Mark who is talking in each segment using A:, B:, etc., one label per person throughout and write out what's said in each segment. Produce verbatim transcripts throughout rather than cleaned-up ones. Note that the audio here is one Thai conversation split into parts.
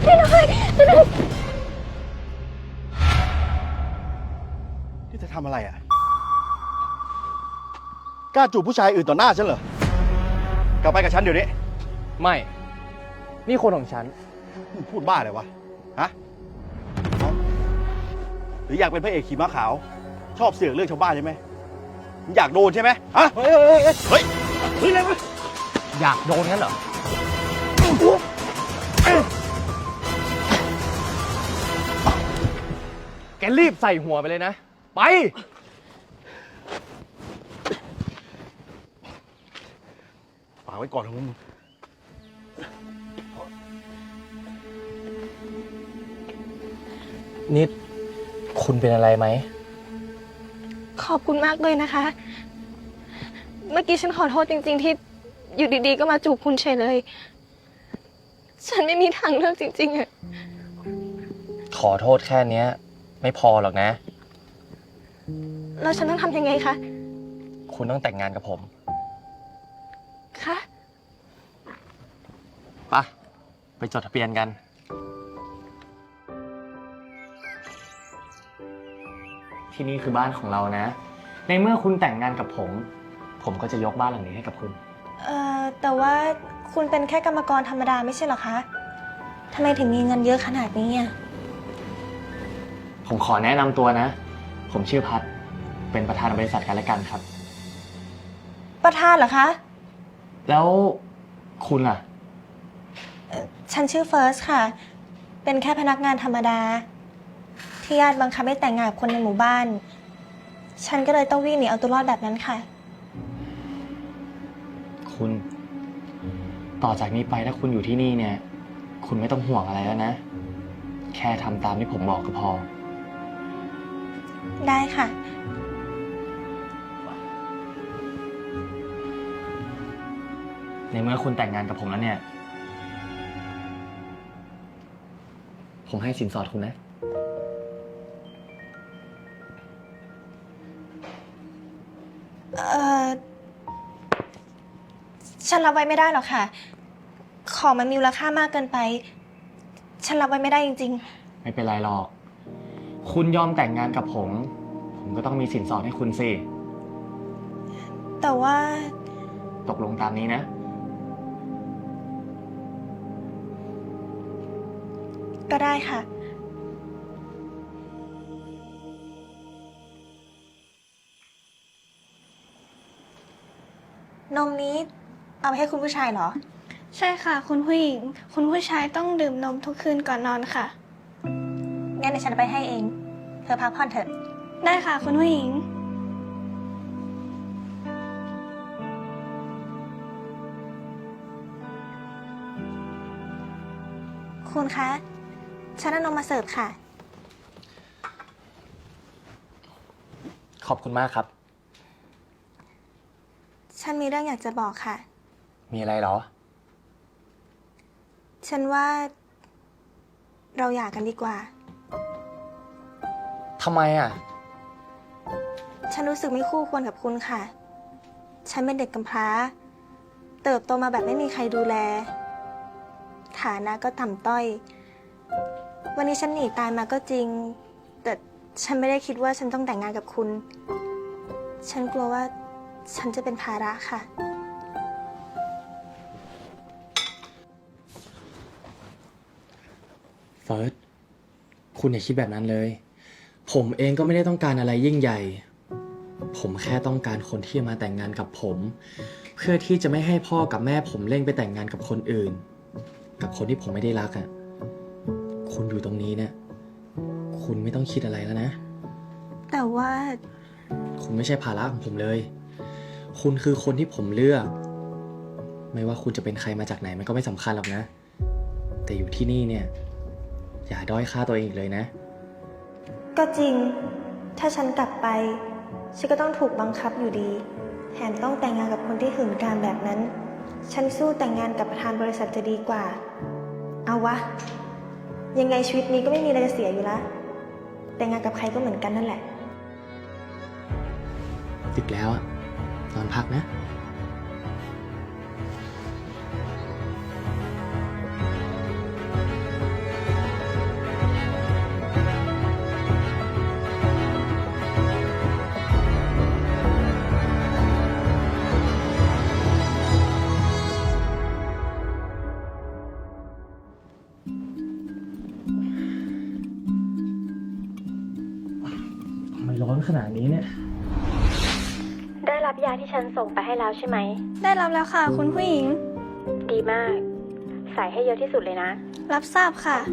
A: พี่น้อยพี่น้อย
B: นี่เธอทำอะไรอ่ะกล้าจูบผู้ชายอื่นต่อหน้าฉันเหรอ กลับไปกับฉันเดี๋ยวนี้
C: ไม่ นี่คนของฉัน
B: มึงพูดบ้าเลยวะ ฮะเอ้าหรืออยากเป็นพระเอกขี่ม้าขาว ชอบเสือกเรื่องชาวบ้านใช่ไหมมึงอยากโดนใช่ไหมฮะ
C: เฮ้ยเฮ้ยเฮ้ย
B: เฮ้ย เฮ้ยอะไรวะ
C: อยากโดนงั้นเหรอ แกรีบใส่หัวไปเลยนะ ไป
B: ฝากไว้ก่อนนะมึง
C: นิด คุณเป็นอะไรไหม
A: ขอบคุณมากเลยนะคะ เมื่อกี้ฉันขอโทษจริงๆที่อยู่ดีๆก็มาจูบคุณเฉยเลย ฉันไม่มีทางเลือกจริงๆอะ
C: ขอโทษแค่เนี้ย ไม่พอหรอกนะ
A: แล้วฉันต้องทำยังไงคะ
C: คุณต้องแต่งงานกับผม
A: คะ
C: ปะไปจดทะเบียนกัน ที่นี่คือบ้านของเรานะ ในเมื่อคุณแต่งงานกับผม ผมก็จะยกบ้านหลังนี้ให้กับคุณ
A: เอ่อ แต่ว่าคุณเป็นแค่กรรมกรธรรมดาไม่ใช่เหรอคะทำไมถึงมีเงินเยอะขนาดนี้อ่ะ
C: ผมขอแนะนำตัวนะ ผมชื่อพัด เป็นประธานบริษัทกันและกันครับ
A: ประธานเหรอคะ
C: แล้วคุณล่ะ
A: ฉันชื่อเฟิร์สค่ะ เป็นแค่พนักงานธรรมดา ที่ญาติบังคับให้แต่งงานกับคนในหมู่บ้าน ฉันก็เลยต้องวิ่งหนีเอาตัวรอดแบบนั้นค่ะ
C: คุณ ต่อจากนี้ไปถ้าคุณอยู่ที่นี่เนี่ย คุณไม่ต้องห่วงอะไรแล้วนะ แค่ทำตามที่ผมบอกก็พอ
A: ได้ค่ะ
C: ในเมื่อคุณแต่งงานกับผมแล้วเนี่ย ผมให้สินสอดคุณนะ
A: เอ่อ ฉันรับไว้ไม่ได้หรอกค่ะ ของมันมีมูลค่ามากเกินไป ฉันรับไว้ไม่ได้จริง
C: ไม่เป็นไรหรอก คุณยอมแต่งงานกับผม ผมก็ต้องมีสินสอดให้คุณสิ
A: ๆ แต่ว่า
C: ตกลงตามนี้นะ
A: ก็ได้ค่ะ นมนี้เอาไปให้คุณผู้ชายเหรอ
D: ใช่ค่ะ คุณผู้หญิง คุณผู้ชายต้องดื่มนมทุกคืนก่อนนอนค่ะ
A: งั้นเดี๋ยวฉันเอาไปให้เอง เธอพักผ่อนเถอะ
D: ได้ค่ะ คุณผู้หญิง
A: คุณคะ ฉันเอานมมาเสิร์ฟค่ะ
C: ขอบคุณมากครับ
A: ฉันมีเรื่องอยากจะบอกค่ะ
C: มีอะไรเหรอ
A: ฉันว่า เราหย่ากันดีกว่า
C: ทำไมอ่ะ
A: ฉันรู้สึกไม่คู่ควรกับคุณค่ะ ฉันเป็นเด็กกำพร้า เติบโตมาแบบไม่มีใครดูแล ฐานะก็ต่ำต้อย วันนี้ฉันหนีตายมาก็จริง แต่ฉันไม่ได้คิดว่าฉันต้องแต่งงานกับคุณ ฉันกลัวว่าฉันจะเป็นภาระค่ะ
C: เฟิร์ส คุณอย่าคิดแบบนั้นเลย ผมเองก็ไม่ได้ต้องการอะไรยิ่งใหญ่ ผมแค่ต้องการคนที่จะมาแต่งงานกับผม เพื่อที่จะไม่ให้พ่อกับแม่ผมเร่งไปแต่งงานกับคนอื่น กับคนที่ผมไม่ได้รักอ่ะ คุณอยู่ตรงนี้เนี่ย คุณไม่ต้องคิดอะไรแล้วนะ
A: แต่ว่า
C: คุณไม่ใช่ภาระของผมเลย คุณคือคนที่ผมเลือก ไม่ว่าคุณจะเป็นใครมาจากไหนมันก็ไม่สำคัญหรอกนะ แต่อยู่ที่นี่เนี่ย อย่าด้อยค่าตัวเองอีกเลยนะ
A: ก็จริง ถ้าฉันกลับไป ฉันก็ต้องถูกบังคับอยู่ดี แถมต้องแต่งงานกับคนที่หื่นกามแบบนั้น ฉันสู้แต่งงานกับประธานบริษัทจะดีกว่า เอาวะ ยังไงชีวิตนี้ก็ไม่มีอะไรจะเสียอยู่แล้ว แต่งงานกับใครก็เหมือนกันนั่นแหละ
C: ดึกแล้วอะนอนพักนะร้อนขนาดนี้เนี่ย
E: ได้รับยาที่ฉันส่งไปให้แล้วใช่ไหม
D: ได้รับแล้วค่ะ คุณผู้หญิง
E: ดีมาก ใส่ให้เยอะที่สุดเลยนะ
D: รับทราบค่ะ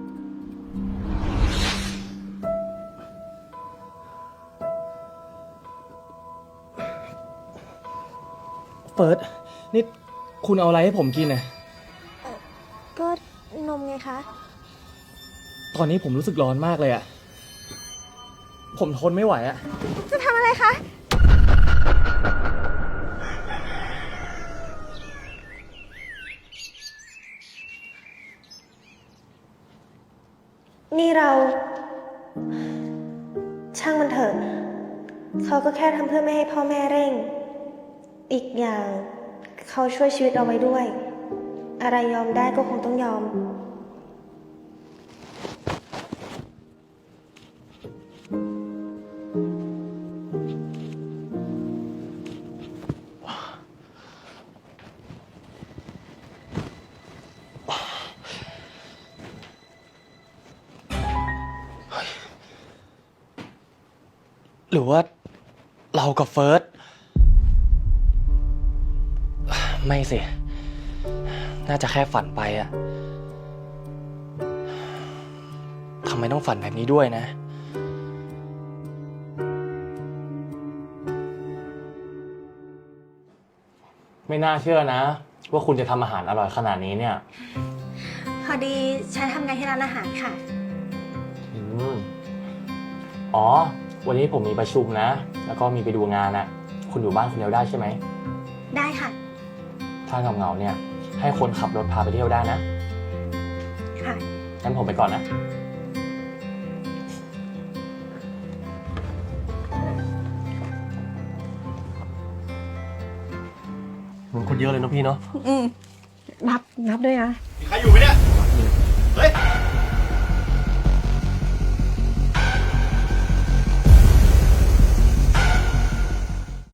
C: เฟิร์ส นี่คุณเอาอะไรให้ผมกินน่ะ
A: ก็นมไงคะ
C: ตอนนี้ผมรู้สึกร้อนมากเลยอะผมทนไม่ไหวอะ
A: จะทำอะไรคะ นี่เรา ช่างมันเถอะ เขาก็แค่ทำเพื่อไม่ให้พ่อแม่เร่ง อีกอย่างเขาช่วยชีวิตเราไว้ด้วย อะไรยอมได้ก็คงต้องยอม
C: หรือว่าเรากับเฟิร์ส ไม่สิ น่าจะแค่ฝันไปอะทำไมต้องฝันแบบนี้ด้วยนะ ไม่น่าเชื่อนะ ว่าคุณจะทำอาหารอร่อยขนาดนี้เนี่ย
A: พอดีฉันทำงานที่ร้านอาหารค่ะ
C: อืมอ๋อ วันนี้ผมมีประชุมนะ แล้วก็มีไปดูงานนะคุณอยู่บ้านคนเดียวได้ใช่ไหม
A: ได้ค่ะ
C: ถ้าเหงาๆเนี่ย ให้คนขับรถพาไปเที่ยวได้นะ
A: ค่ะ
C: งั้นผมไปก่อนนะ
F: เหมือนคนเยอะเลยเนาะพี่เนาะ
G: อืมนับนับด้วยนะ
B: มีใครอยู่ไหมเนี่ย เฮ้ย